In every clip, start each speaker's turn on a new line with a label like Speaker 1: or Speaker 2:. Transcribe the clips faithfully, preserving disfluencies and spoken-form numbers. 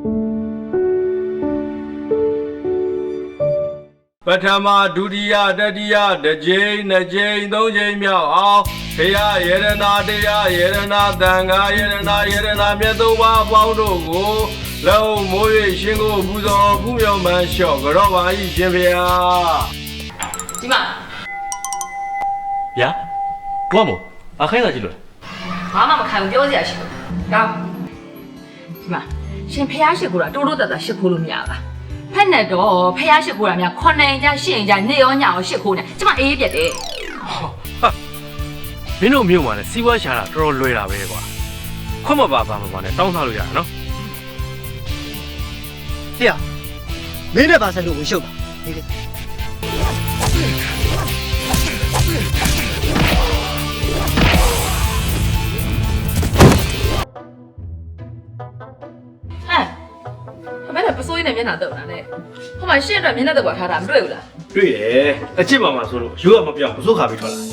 Speaker 1: ပထမဒုတိယတတိယတစ်ကြိမ်နှစ်ကြိမ်သုံးကြိမ်မြောက်အောင်ဘုရားယေရနာတရားယေရနာသံဃာယေရနာယေရနာမြတ်သုံးပါးအပေါင်းတို့ကိုလုံးမိုး၍ရှင်ကိုပူဇော်ဖူးမြော်မှန်းလျှော့ကြောပါ၏ရှင်ဗျာ
Speaker 2: ဒီမှာ
Speaker 3: ဗျာဘာမို့အခင်းလာကြည့်လို့
Speaker 2: ဘာမှမခံဘူးပြောစရာရှိဘူးကောင်းဒီမှာရှင်ဖះရှိခိုးတာတိုးတိုးတက်တက်ရှိခိုးလို့မရပါဖက်နဲ့တော့ဖះရှိခိုးတာများခွန်နိုင်ကြရှင်းကြနေရောညရောရှိခိုးနေကျမအေးပြက်တယ်
Speaker 3: ဟာမင်းတို့မြို့မှာလည်းစီးပွားရှာတာတော်တော်လွယ်တာပဲကွာခွတ်မပါပါမပါနဲ့တောင်းစားလို့ရတာနော်
Speaker 4: တရားမင်းနဲ့ပါဆက်လို့ဝင်ရှုပ်တာဒီလေ
Speaker 2: ဟဲ့မင်းကပစိုးရင်းနဲ့မျက်နှာတုပ်တာလေဟိုမှာရှင်းအတွက်မျက်နှာတုပ်ပါထားတာမတွေ့ဘူးလား
Speaker 3: တွေ့တယ်အချစ်ပါမှာဆိုလို့ရိုးကမပြောင်းပစိုးခါပြီးထွက်လာ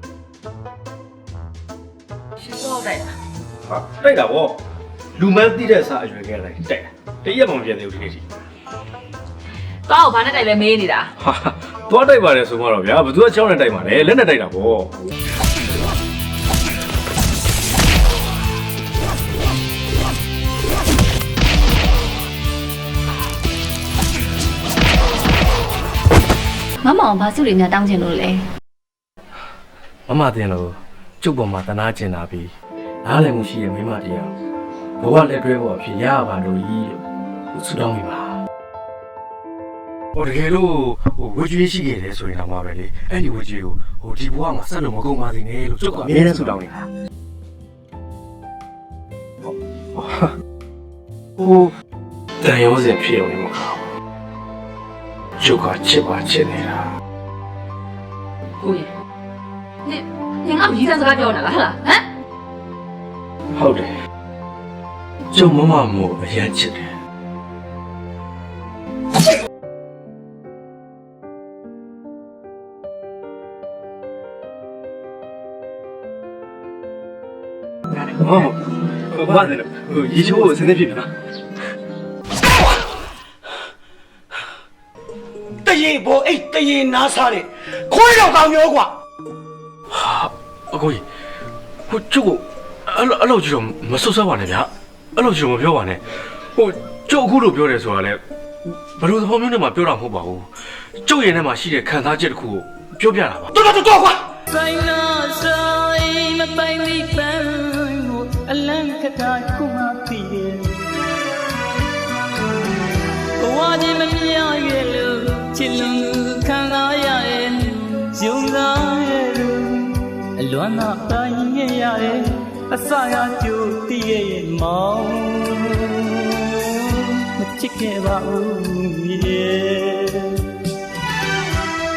Speaker 2: ရှင်းတော့တိုက်တာ
Speaker 3: ဟာတိုက်တာဗောလူမန်းတိတဲ့အစားအရွယ်ခဲ့လိုက်တိုက်တာတရက်မှမပြန်သေးဘူးဒီနေ့ထိ
Speaker 2: တောက်ဘာနဲ့တိုက်လဲမေးနေတာ
Speaker 3: ဟာသွားတိုက်ပါတယ်ဆိုမှတော့ဗျာဘသူကချောင်းနဲ့တိုက်မှာလဲလက်နဲ့တိုက်တာဗော
Speaker 5: မမအောင်ဘာစုတွေများတောင်းချင်လို့လဲ
Speaker 3: မမတင်လို့ကျုပ်ပေါ်မှာတနာကျင်တာပြီးနားလည်မှုရှိတဲ့မိမတရားဘဝလက်တွဲဖို့အဖြစ်ရပါလို့ဤလို့ဆုတောင်းမိပါဟိုတကယ်လို့ဟိုဝေကျွေးရှိခဲ့တယ်ဆိုရင်တော့မှာပဲလေအဲ့ဒီဝေကျွေးကိုဟိုဒီဘဝမှာဆက်လို့မကုန်ပါသေးနဲ့လို့ကျုပ်ကအမြဲတမ်းဆုတောင်းနေတာဟိုတန်ရုံးစင်ဖြစ်အောင်နေမှာကျုပ်ကချစ်ပါချစ်နေတာ
Speaker 2: ကိုကြီးနေနေငါမြည်စံစကားပြောနေတာလားဟမ်
Speaker 3: ဟုတ်တယ်ကျုံမမမို့အရင်ချစ်တယ်ဟုတ်ဘာလဲရေချိုးကိုစနေဖြစ်ပြီလား
Speaker 4: တရင်ဘောအိတ်တရင်နားစားတယ်ခွေးတော့ကောင်းမျိုးကွာ
Speaker 3: ဟာအကိုကြီးဟိုကျုပ်ကိုအဲ့လိုအဲ့လိုကြီးတော့မဆွဆွပါနဲ့ဗျာအဲ့လိုကြီးတော့မပြောပါနဲ့ဟိုကျုပ်အခုလိုပြောတယ်ဆိုတာလေဘယ်လိုသဘောမျိုးနဲ့မှပြောတာမဟုတ်ပါဘူးကျုပ်ရဲ့ထဲမှာရှိတဲ့ခံစားချက်တစ်ခုကိုပြောပြတာပါ
Speaker 4: တော်တော်တော်ကွာ
Speaker 6: ဆိုင်နာဆိုင်မပိုင်မိပန်းကိုအလန့်ကတာခုမှသိတယ်ဘဝချင်းမမြရွယ်လို့ချစ်လွန်ခံစားရရဲ့ယုံစားရဲ့အလွမ်းသာတိုင်းရရဲ့အစရကြိုတည်ရဲ့မောင်မချစ်ခဲ့ပါဘူးရဲ့